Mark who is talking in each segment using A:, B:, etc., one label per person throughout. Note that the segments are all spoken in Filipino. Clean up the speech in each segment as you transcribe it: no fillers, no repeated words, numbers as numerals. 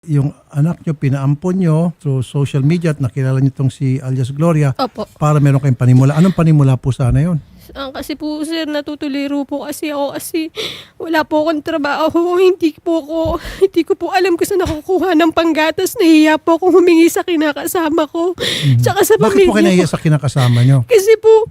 A: Yung anak nyo, pinaampon nyo through social media at nakilala nyo itong si alias Gloria
B: Opo.
A: para meron kayong panimula. Anong panimula po sana yun?
B: Kasi po sir, natutuliro po kasi ako kasi wala po akong trabaho. Hindi ko po alam kung saan nakukuha ng panggatas. Nahiya po akong humingi sa kinakasama ko. Tsaka sa
A: Bakit po kayo
B: pamilya
A: nahiya
B: ko.
A: sa kinakasama nyo?
B: Kasi po,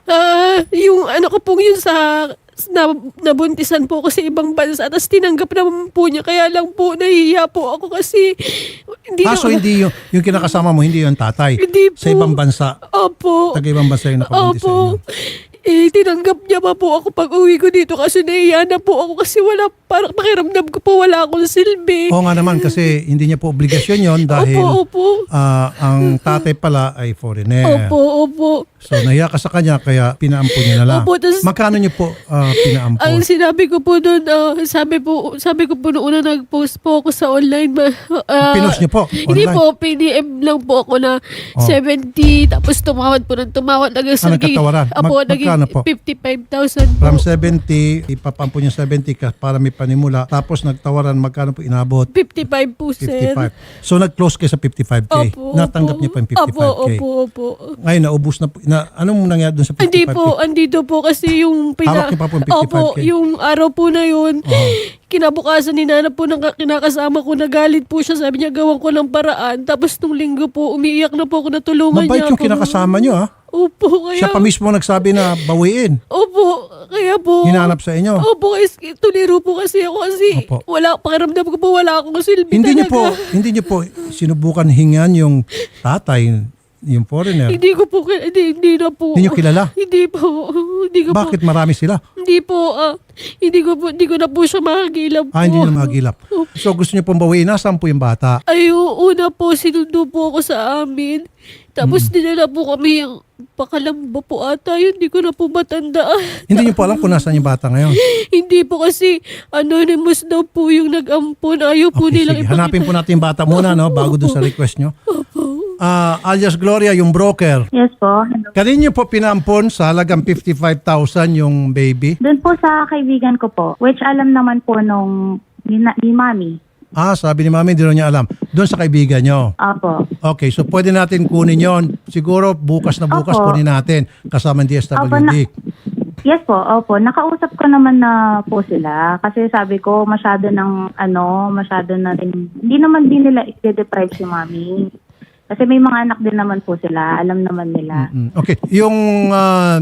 B: yung ano ko po yun sa nabuntisan po ako sa ibang bansa tapos tinanggap naman po niya, kaya lang po nahihiya po ako kasi hindi
A: So hindi yung kinakasama mo, hindi yung tatay?
B: Hindi po.
A: Sa ibang bansa?
B: Opo.
A: Taga ibang bansa yung nakabuntis sa inyo?
B: Opo. Tinanggap niya pa po ako pag uwi ko dito kasi nahiya na po ako kasi parang pakiramdam ko po wala akong silbi.
A: Oo nga naman kasi hindi niya po obligasyon yon dahil
B: Opo.
A: ang tatay pala ay foreigner.
B: Opo.
A: So nahiya ka sa kanya kaya pinaampon niya na lang.
B: Opo, tas-
A: Magkano niyo po pinaampon?
B: Ang sinabi ko po doon, sabi ko po noon na nag-post po ako sa online.
A: Pinost niyo po?
B: Hindi
A: Online?
B: po, PDM lang po ako na 70, tapos tumawad po ng tumawad.
A: nagkatawaran?
B: Naging
A: Magkano po?
B: 55,000 po.
A: From 70, ipapampon niya 70 ka para may panimula. Tapos nagtawaran, magkano po inabot?
B: 55 po, sir.
A: 55. So nag-close kayo sa 55K.
B: Opo.
A: Natanggap niya pa yung 55K.
B: Opo.
A: Ngayon, naubos na po. Anong nangyari doon sa 55K?
B: Hindi po, andito po kasi yung
A: Hawak niyo pa po yung 55K?
B: Opo, yung araw po na yun. Kinabukasan ni Nana po ng kinakasama ko, nagalit po siya. Sabi niya, gawan ko ng paraan. Tapos nung linggo po, umiiyak na po ako na tulungan
A: Mabait
B: niya
A: yung
B: ako.
A: kinakasama niyo, ha?
B: Opo, kaya...
A: Siya pa mismo nagsabi na bawiin.
B: Opo, kaya po...
A: Hinanap sa inyo.
B: Opo, tuliro po kasi ako kasi
A: Opo.
B: pakiramdam ko po wala akong silbi
A: Hindi niyo
B: talaga.
A: hindi niyo po sinubukan hingan yung tatay, yung foreigner.
B: Hindi ko po, hindi na po.
A: Hindi niyo kilala?
B: Hindi po, hindi ko
A: Bakit
B: po.
A: marami sila?
B: Hindi po, hindi ko na po siya makagilap po.
A: Hindi na magilap. So gusto niyo pong bawiin. Nasaan po yung bata?
B: Ay, una po, sinundo po ako sa amin. Tapos dinala po kami yung Pakalamba po ata yun. Hindi ko na po matandaan.
A: Hindi niyo po alam kung nasaan yung bata ngayon.
B: Hindi po kasi anonymous daw po yung nag-ampon. Ayaw po
A: Okay,
B: nilang
A: sige. Hanapin po natin yung bata muna, no, bago dun sa request nyo. Alias Gloria, yung broker.
C: Yes po. Hello.
A: Kanino po pinampon sa halagang 55,000 yung baby?
C: Doon po sa kaibigan ko po, which alam naman po nung ni Mami.
A: Sabi ni Mami, hindi rin niya alam. Doon sa kaibigan nyo.
C: Opo.
A: Okay, so pwede natin kunin yon. Siguro bukas na bukas
C: Opo.
A: kunin natin kasama ng DSWD.
C: Yes po, opo. Nakausap ko naman na po sila kasi sabi ko masyado na rin, hindi naman din nila i-deprive si Mami. Kasi may mga anak din naman po sila, alam naman nila.
A: Okay, yung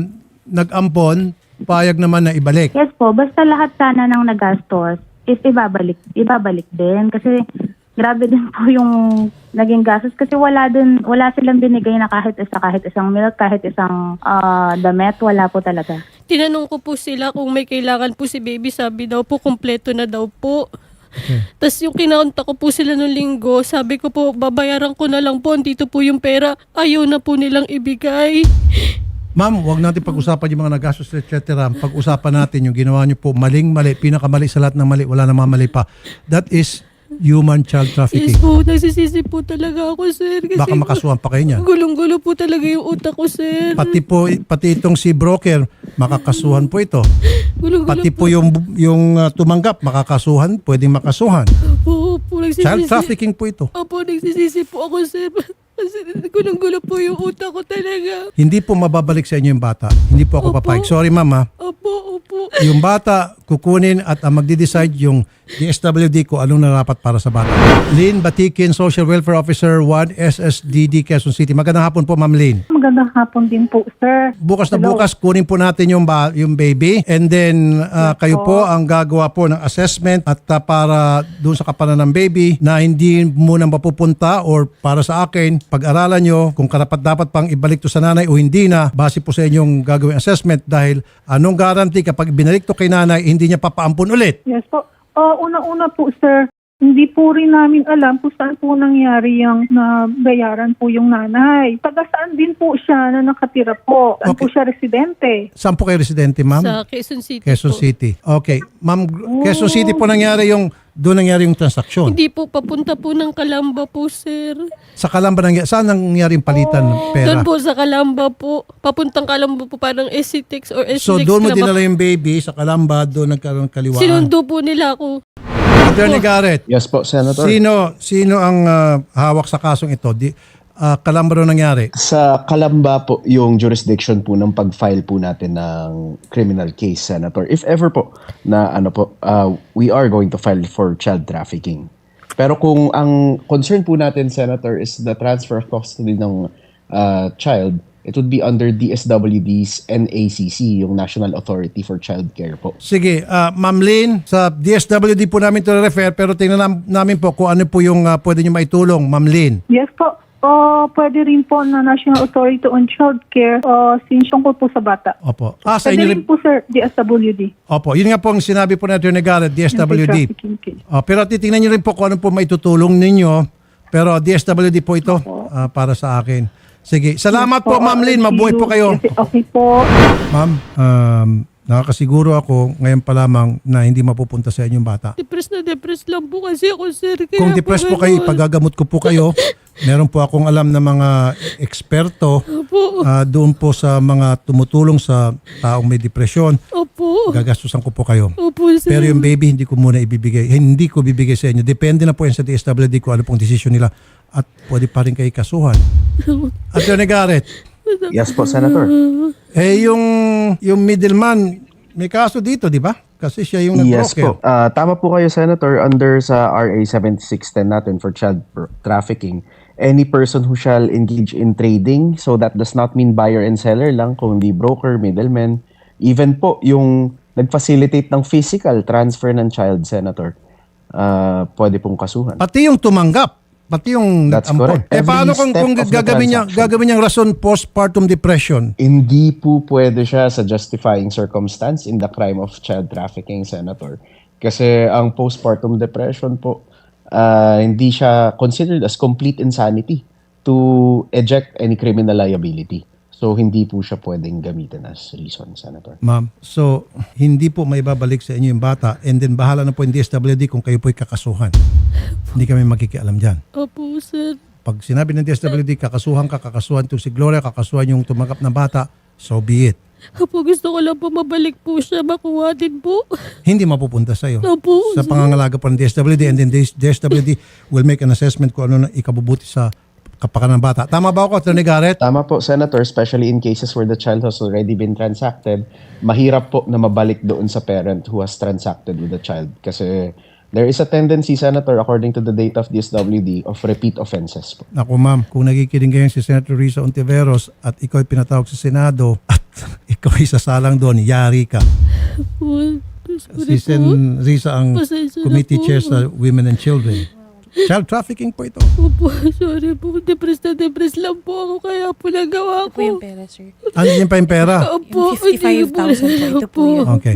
A: nag-ampon, payag naman na ibalik.
C: Yes po, basta lahat sana ng nagastos is ibabalik din kasi grabe din po yung naging gastos kasi wala silang binigay na kahit isang milk, kahit isang damit, wala po talaga.
B: Tinanong ko po sila kung may kailangan po si baby. Sabi daw po, kumpleto na daw po.
A: Okay.
B: Tapos yung kinaunta ko po sila nung linggo, sabi ko po, babayaran ko na lang po. Dito po yung pera. Ayaw na po nilang ibigay.
A: Ma'am, huwag natin pag-usapan yung mga nagastos, etc. Pag-usapan natin yung ginawa niyo po, maling-mali, pinakamali sa lahat ng mali, wala namang mali pa. That is human child trafficking.
B: Yes po, nagsisisi po talaga ako, sir. Kasi
A: Baka makasuhan pa kayo niyan.
B: gulong-gulo po talaga yung utak ko, sir.
A: Pati itong si broker, makakasuhan po ito.
B: Gulong-gulo
A: Pati po yung tumanggap, makakasuhan, pwedeng makasuhan.
B: po nagsisisi.
A: Child trafficking po ito.
B: Opo, nagsisisi po ako, sir. Kasi gulong-gulo po yung utak ko talaga.
A: Hindi po mababalik sa inyo yung bata. Hindi po ako
B: Opo.
A: papayag. Sorry, mama.
B: Opo.
A: Yung bata, kukunin at ang magdi-decide yung DSWD ko anong narapat para sa bata. Lynn Batikin, Social Welfare Officer 1 SSDD Quezon City. Magandang hapon po, Ma'am Lynn.
D: Magandang hapon din po, sir.
A: Bukas na
D: Hello.
A: bukas, kunin po natin yung baby and then kayo po ang gagawa po ng assessment at para doon sa kapanan ng baby na hindi muna mapupunta or para sa akin, pag-aralan nyo kung karapat-dapat pang ibalik to sa nanay o hindi na base po sa inyong gagawing assessment dahil anong guarantee kapag binalik to kay nanay, hindi niya papaampun ulit.
D: Yes po. Una-una po, sir, hindi po rin namin alam kung saan po nangyari yung nabayaran po yung nanay. Taga saan din po siya na nakatira po? Saan po
A: Okay.
D: siya residente?
A: Saan po kayo residente, ma'am?
B: Sa Quezon City
A: Quezon
B: po.
A: City. Okay. Ma'am, Quezon City po doon nangyari yung transaksyon.
B: Hindi po, papunta po ng Calamba po, sir.
A: Sa Calamba, saan nangyari yung palitan ng pera?
B: Doon po sa Calamba po. Papuntang Calamba po, parang SCTEX or SCTEX.
A: So doon mo dinala yung baby sa Calamba, doon nagkaroon ng kaliwaan.
B: Sinundo po nila ako.
A: Attorney Garrett,
E: Yes po, Senator.
A: sino ang hawak sa kasong ito? Kailan ba nangyari?
E: Sa Kalamba po yung jurisdiction po ng pag-file po natin ng criminal case, Senator. If ever po na we are going to file for child trafficking. Pero kung ang concern po natin, Senator, is the transfer of custody ng child, it would be under DSWD's NACC, yung National Authority for Child Care po.
A: Sige, Ma'am Lynn, sa DSWD po namin ito refer pero tingnan namin po kung ano po yung pwede nyo maitulong, Ma'am Lynn.
D: Yes po. Pwede rin po na National Authority on Child Care since tungkol po sa bata.
A: Opo. Sa
D: Pwede
A: inyo
D: rin po, sir, DSWD.
A: Opo, yun nga po ang sinabi po natin ni Garrett, DSWD.
D: Anti-trafficking case.
A: Pero titingnan nyo rin po kung ano po maitutulong ninyo. Pero DSWD po ito para sa akin. Sige, salamat po, Ma'am Lynn. Mabuhay po kayo.
D: Okay po.
A: Ma'am, nakakasiguro ako ngayon pa lamang na hindi mapupunta sa inyong bata.
B: Depressed lang po kasi ako, sir. Kaya
A: Kung depressed po kayo,
B: ganun.
A: ipagagamot ko po kayo. Meron po akong alam na mga eksperto
B: Opo.
A: doon po sa mga tumutulong sa taong may depresyon.
B: Opo.
A: Gagastusan ko po kayo.
B: Opo, sir.
A: Pero yung baby, hindi ko muna ibibigay. Hindi ko bibigay sa inyo. Depende na po yan sa DSWD kung ano pong desisyon nila. At pwede pa rin kayo kasuhan. Attorney Garrett,
E: Yes po, Senator.
A: yung middleman, may kaso dito, di ba? Kasi siya yung
E: Yes
A: nag-broker.
E: po. Tama po kayo, Senator. Under sa RA 7610 natin for child trafficking, any person who shall engage in trading, so that does not mean buyer and seller lang, kundi broker, middleman, even po yung nag-facilitate ng physical transfer ng child, Senator, pwede pong kasuhan.
A: Pati yung tumanggap. Pati yung
E: That's
A: nag-ampon.
E: correct. Every
A: Paano kung
E: step of the transaction.
A: gagawin niyang rason postpartum depression?
E: Hindi po pwede siya sa justifying circumstance in the crime of child trafficking, Senator. Kasi ang postpartum depression po, hindi siya considered as complete insanity to eject any criminal liability. So, hindi po siya pwedeng gamitin as reason, Senator.
A: Ma'am, so hindi po may babalik sa inyo yung bata and then bahala na po yung DSWD kung kayo po'y kakasuhan. Hindi kami magkikialam dyan.
B: Opo, sir.
A: Pag sinabi ng DSWD, kakasuhan itong si Gloria, kakasuhan yung tumanggap na bata, so be it.
B: Opo, gusto ko lang po mabalik po siya. Makuha din po.
A: Hindi mapupunta sa'yo.
B: Opo,
A: Sa
B: sir.
A: pangangalaga po ng DSWD and then DSWD will make an assessment kung ano na ikabubuti sa kapakanan ng bata. Tama ba ako, Attorney Garrett?
E: Tama po, Senator, especially in cases where the child has already been transacted, mahirap po na mabalik doon sa parent who has transacted with the child. Kasi there is a tendency, Senator, according to the data of DSWD, of repeat offenses po.
A: Ako ma'am, kung nakikinig ngayon si Senator Risa Ontiveros at ikaw ay pinatawag sa Senado at ikaw ay sasalang doon, yari ka.
B: Opo.
A: Si Sen Risa ang
B: Pasensya na
A: committee
B: po.
A: chair sa Women and Children. Child trafficking po ito.
B: Opo, sorry po. Depressed lang po ako. Kaya po nagawa
F: Ito po yung
B: ko.
F: pera, sir.
A: Ano yung pera?
B: Opo.
F: Yung 55,000 po, ito po yun.
A: Okay.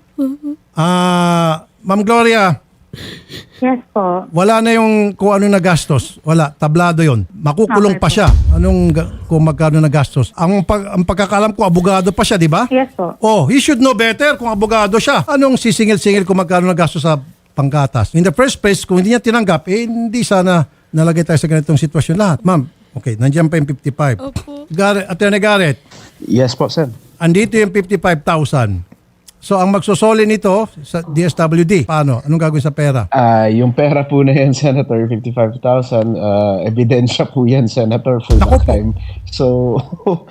A: Ma'am Gloria,
C: Yes po.
A: wala na yung kung ano na gastos. Wala, tablado yon. Makukulong
C: Okay
A: pa
C: po.
A: siya. Kung magkano na gastos. Ang pagkakalam ko, abogado pa siya, di ba?
C: Yes po.
A: Oh, he should know better kung abogado siya. Anong sisingil-singil kung magkano na gastos sa panggatas? In the first place, kung hindi niya tinanggap, hindi sana nalagay tayo sa ganitong sitwasyon lahat. Ma'am, okay, nandiyan pa yung 55.
B: Opo.
A: Attorney Garrett,
E: Yes po, Sen.
A: andito yung 55,000. So, ang magsusoli nito sa DSWD, paano? Anong gagawin sa pera?
E: Yung pera po na yan, Senator, 55,000, ebidensya po yan, Senator, for
A: Naku
E: the
A: po.
E: crime. So,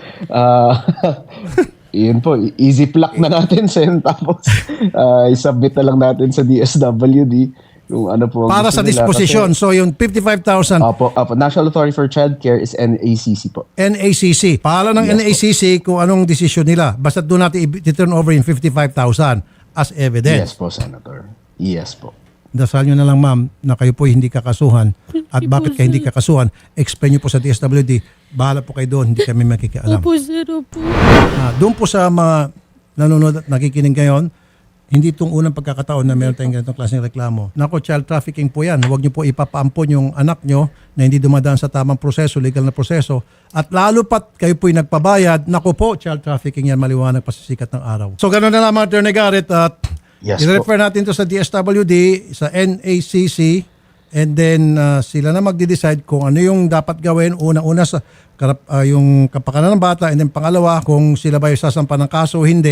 E: yun po, easy pluck na natin, Sen. Tapos, isubmit na lang natin sa DSWD kung ano po. ang
A: Para
E: gusto
A: sa
E: nila.
A: disposition.
E: Kasi,
A: So, yung 55,000,
E: Opo, National Authority for Child Care is NACC po.
A: NACC. Pahala ng
E: Yes,
A: NACC kung anong desisyon nila. Basta doon natin i-turn over yung 55,000 as evidence.
E: Yes po, Senator. Yes po.
A: Dasal nyo na lang ma'am na kayo po hindi kakasuhan. At bakit kayo hindi kakasuhan, explain nyo po sa DSWD. Bahala po kayo doon, hindi kami makikialam.
B: Opo, sir. Opo.
A: Doon po sa mga nanonood at nakikinig ngayon, hindi itong unang pagkakataon na meron tayong ganitong klaseng reklamo. Nako, child trafficking po yan. Huwag nyo po ipapaampon yung anak nyo na hindi dumadaan sa tamang proseso, legal na proseso. At lalo pat kayo po'y nagpabayad, nako po, child trafficking yan, maliwanag pa sa sikat ng araw. So ganoon na naman, Attorney Garrett, at
E: Yes
A: i-refer natin to sa DSWD, sa NACC, and then sila na magde-decide kung ano yung dapat gawin. Una-una sa yung kapakanan ng bata, and then pangalawa, kung sila ba yung sasampa ng kaso o hindi,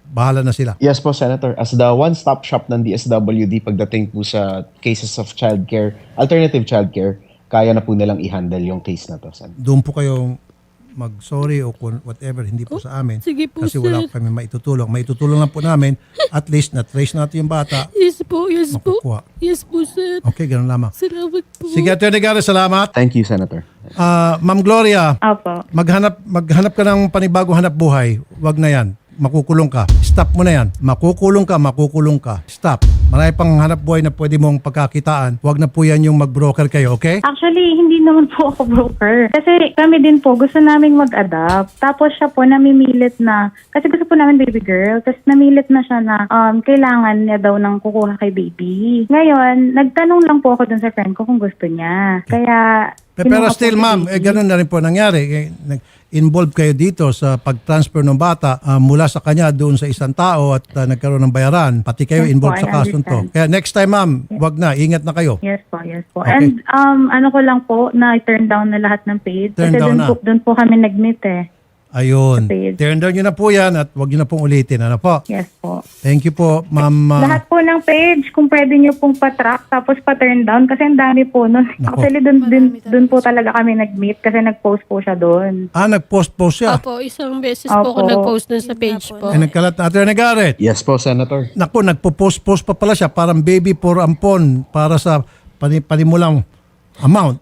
A: bahala na sila.
E: Yes po, Senator. As the one-stop shop ng DSWD pagdating po sa cases of childcare, alternative childcare, kaya na po nilang i-handle yung case na to, Sen.
A: Doon po kayo mag-sorry o kung whatever, hindi po sa amin.
B: Sige po,
A: Kasi wala
B: sir.
A: po kami maitutulong. Maitutulong lang po namin, at least na-trace natin yung bata,
B: Yes po, yes po.
A: makukuha.
B: Yes po, sir.
A: Okay, ganun lamang.
B: Salamat po.
A: Sige, Atty. Garrett, salamat.
E: Thank you, Senator.
A: Ma'am Gloria,
C: Opo.
A: maghanap ka ng panibagong hanap buhay. Wag na yan. Makukulong ka. Stop mo na yan. Makukulong ka. Stop. Marami pang hanap buhay na pwede mong pagkakitaan. Wag na po yan yung mag-broker kayo, okay?
C: Actually, hindi naman po ako broker. Kasi kami din po, gusto namin mag-adapt. Tapos siya po, namimilit na, kasi gusto po namin baby girl, tapos namilit na siya na kailangan niya daw ng kukuha kay baby. Ngayon, nagtanong lang po ako dun sa friend ko kung gusto niya. Kaya,
A: Pero
C: kinuha po
A: still,
C: si
A: ma'am,
C: baby.
A: ganun na rin po nangyari. Involved kayo dito sa pag-transfer ng bata mula sa kanya doon sa isang tao at nagkaroon ng bayaran. Pati kayo
C: Yes po,
A: involved sa
C: I
A: kasong to.
C: understand.
A: Kaya next time, ma'am, wag na. Ingat na kayo.
C: Yes po, yes po.
A: Okay.
C: And ano ko lang po, na-turn down na lahat ng paid.
A: Turn
C: Kasi
A: down na.
C: doon po kami nag-meet eh.
A: Ayun.
C: Sa page.
A: Turn down nyo na po yan at wag nyo na pong ulitin. Ano po?
C: Yes po.
A: Thank you po, ma'am.
C: Lahat po ng page, kung pwede nyo pong pa-track tapos pa-turn down kasi ang dami po nun.
A: Nako.
C: Actually, dun po talaga kami nag-meet kasi nag-post po siya doon.
A: Nag-post siya.
B: Opo, isang beses po ako
C: Opo.
B: nag-post dun sa page po.
A: Ay, nagkalat na. Atty. Garrett.
E: Yes po, Senator.
A: Naku, nagpo-post pa pala siya. Parang baby for ampon para sa panimulang amount.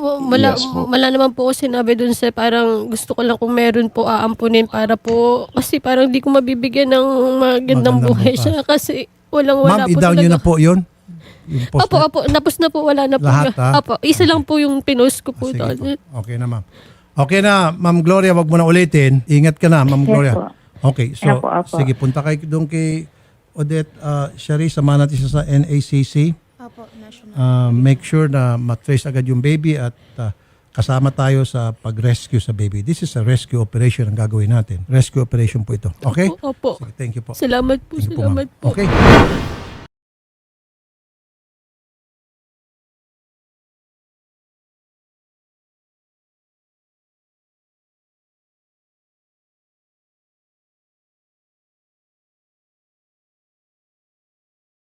E: Yes po.
B: Wala naman po ako sinabi dun sa parang gusto ko lang kung meron po aampunin para po kasi parang di ko mabibigyan ng magandang
A: Magandang
B: buhay
A: bukas.
B: siya kasi wala
A: Ma'am,
B: po
A: i-down nyo na po yun. Yung post
B: Opo,
A: na-
B: opo, tapos na po, wala na po.
A: Lahat, ha?
B: Opo, isa lang po yung pinost ko po
A: Sige
B: doon.
A: po. Okay na, ma'am. Okay na, Ma'am Gloria, wag mo na ulitin. Ingat ka na, Ma'am
C: Yes
A: Gloria.
C: po.
A: Okay, so
C: Opo, opo.
A: sige, punta kayo doon kay Odette Shari, samahan natin siya sa NACC.
F: Opo, national.
A: Make sure na matrace agad yung baby at kasama tayo sa pag-rescue sa baby. This is a rescue operation ang gagawin natin. Rescue operation po ito. Okay?
B: Opo.
A: Sige, thank you po.
B: Salamat po,
A: Thank you po, ma'am.
B: salamat po.
A: Okay.